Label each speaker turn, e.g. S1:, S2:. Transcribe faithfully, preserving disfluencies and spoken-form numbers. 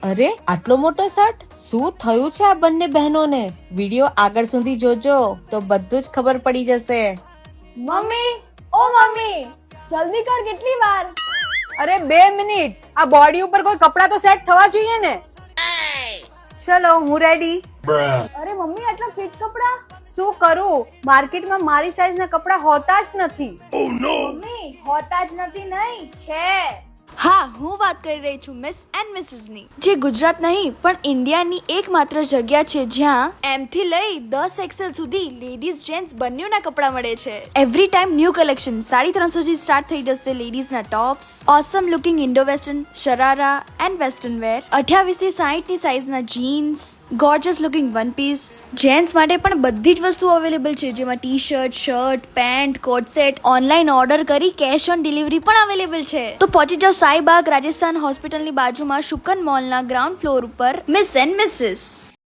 S1: અરે આટલો મોટો શર્ટ, શું થયું છે આ બંને બહેનોને? વિડિયો આગળ સુધી જોજો તો બધું જ ખબર પડી જશે.
S2: મમ્મી, ઓ મમ્મી, જલ્દી કર, કેટલી વાર?
S3: અરે બે મિનિટ, આ બોડી ઉપર કોઈ કપડા તો સેટ થવા જોઈએ ને. ચલો હું રેડી.
S2: અરે મમ્મી, આટલા ફિટ કપડા?
S3: શું કરું, માર્કેટમાં મારી સાઈઝના કપડા હોતા જ નથી.
S2: મમ્મી, હોતા જ નથી નહીં, છે.
S4: હા, હું વાત કરી રહી છું મિસ એન્ડ મિસિસ ની, જે ગુજરાત નહીં પણ ઇન્ડિયાની એકમાત્ર જગ્યા છે જ્યાં એમ થી લઈ દસ એક્સેલ સુધી લેડીઝ જેન્ટ્સ બંનેના કપડા મળે છે. Every time new collection. Sari ત્રણસો થી સ્ટાર્ટ થઈ જશે લેડીઝના tops, awesome looking Indo western, sharara and western wear, અઠ્યાવીસ થી સાહીઠ ની સાઇઝના jeans, gorgeous looking one piece. Gents માટે પણ બધી જ વસ્તુઓ અવેલેબલ છે, જેમાં T shirt, shirt, pant, coat set. Online order કરી કેશ ઓન ડિલિવરી પણ અવેલેબલ છે. તો પહોંચી જાઓ સાઈબાગ રાજસ્થાન હોસ્પિટલની બાજુમાં શુકન મોલના ગ્રાઉન્ડ ફ્લોર ઉપર મિસ એન્ડ મિસિસ.